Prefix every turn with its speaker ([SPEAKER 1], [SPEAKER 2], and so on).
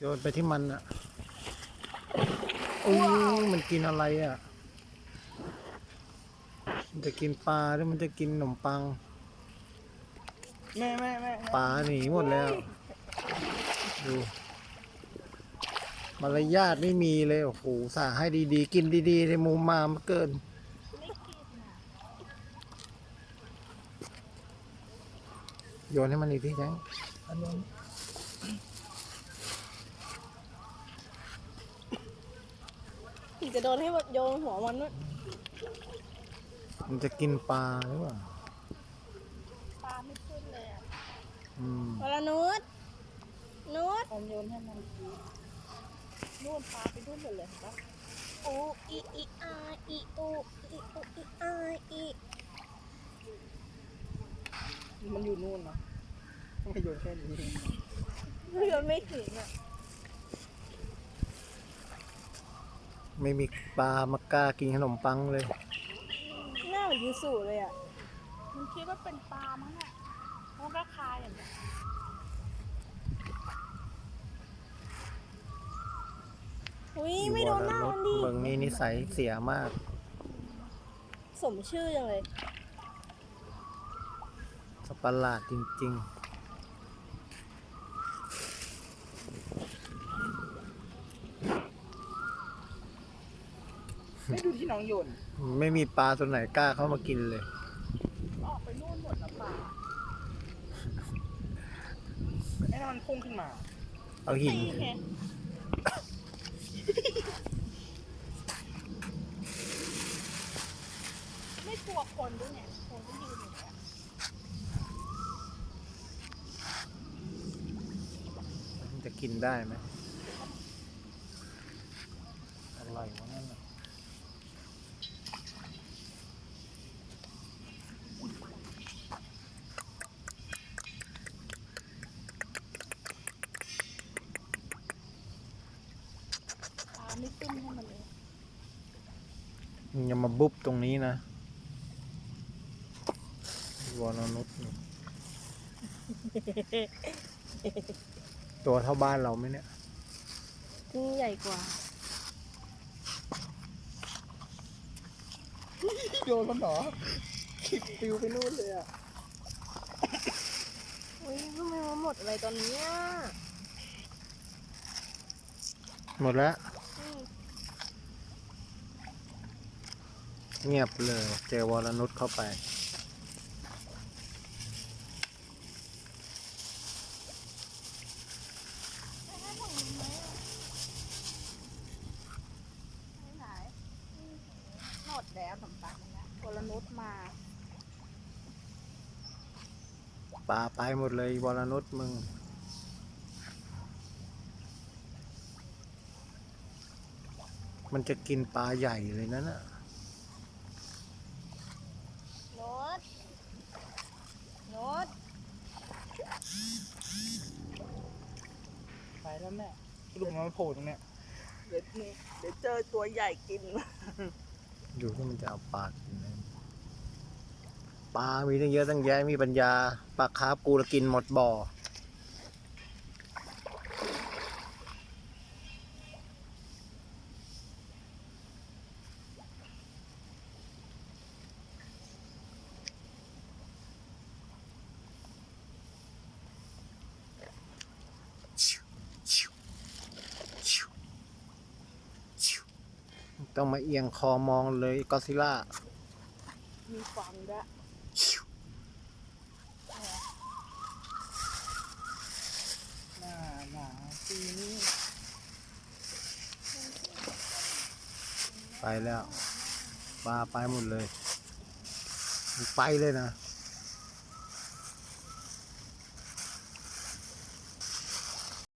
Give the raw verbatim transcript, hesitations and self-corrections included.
[SPEAKER 1] โยนไปที่มันอ่ะอู้มันกินอะไรอ่ะมันจะกินปลาหรือมันจะกินขนมปัง
[SPEAKER 2] แม่แม่แม่
[SPEAKER 1] ปลาหนีหมดแล้วดูมารยาทไม่มีเลยโอ้โหสาให้ดีๆกินดีๆในมุมมามันเกินโยนให้มันอีกทีจังอันนี้
[SPEAKER 3] ถึงจะโดนให้โยนหัวมันนู่น
[SPEAKER 1] มันจะกินปลาหรือเปล่า
[SPEAKER 3] ปลาไม่ขึ้นเลยอ่ะ
[SPEAKER 1] อืม
[SPEAKER 3] วรนุชนุช
[SPEAKER 2] ผมโยนให้มันนู่นปลาไปนู่นหมดเลยครับ
[SPEAKER 3] อูอีอีอาอีอูอีอูอีอาอี
[SPEAKER 2] มันอยู่นู่นนะไม่โยนแค่นี้
[SPEAKER 3] โยนไม่ถึงอ่ะ
[SPEAKER 1] ไม่มีปลามากล้ากินขนมปังเลย
[SPEAKER 3] หน้าเหมือนยูสุเลยอ่ะ
[SPEAKER 4] มันคิดว่าเป็นปลามั้งอ่ะมันก็คายอย่างเงี้ย
[SPEAKER 3] อุ้ยไม่โดนหน้ามันดิ
[SPEAKER 1] เมืองนี้นิสัยเสียมาก
[SPEAKER 3] สมชื่อจังเลย
[SPEAKER 1] สัตว์ประหลาดจริง
[SPEAKER 2] ไม่ดูที่น้องโยน
[SPEAKER 1] ๆ ไม่มีปลาตัวไหนกล้าเข้ามากินเลย
[SPEAKER 4] ออกไปนู่นหมดแล้วปลา
[SPEAKER 2] ไอ้นั่นมันพุ่งขึ้นมา
[SPEAKER 1] เอาหิน
[SPEAKER 4] นี่ไงไม่กลัวคนด้วยเนี่ยคนก็ยืนอยู่เนี่ย
[SPEAKER 1] มันจะกินได้ไหมอะไรวะนั่นน่ะ
[SPEAKER 4] ปลาไม่ขึ้นให้มันเลย
[SPEAKER 1] มึงอย่ามาบุบตรงนี้นะวอนนุษย์นี่ตัวเท่าบ้านเราไหมเนี่ย
[SPEAKER 3] นี่ใหญ่กว่า
[SPEAKER 2] โยนมันเหรอคิดปิวไปนู่นเลยอ่ะ
[SPEAKER 3] อุ้ยทำไมมาหมดอะไรตอนนี้อ่ะ
[SPEAKER 1] หมดแล้ว
[SPEAKER 3] อืม
[SPEAKER 1] เงียบเลย เจอวรนุชเข้าไป
[SPEAKER 4] ไม่ไหนหมดแล้วสำปังนะโกลนุชมา
[SPEAKER 1] ปลาไปหมดเลยวรนุชมึง มันจะกินปลาใหญ่เลยนั่นน่ะ
[SPEAKER 3] นุชนุช
[SPEAKER 2] ไปแล้วแม่สรุปมันโผล่ตรงเนี้ยเดี๋ยวนี่เดี๋ยวเจอตัวใหญ่กิน
[SPEAKER 1] ดูที่มันจะเอาปลากินไหมปลา มีตั้งเยอะตั้งแยะมีปัญญาปลาคาร์ฟกูละกินหมดบ่อ ต้องมาเอียงคอมองเลยก็อดซิลล่า
[SPEAKER 4] มีฟันด้วย
[SPEAKER 2] หน้าหนาปีนี้
[SPEAKER 1] ไปแล้วปลาไปหมดเลยมันไปเลยนะ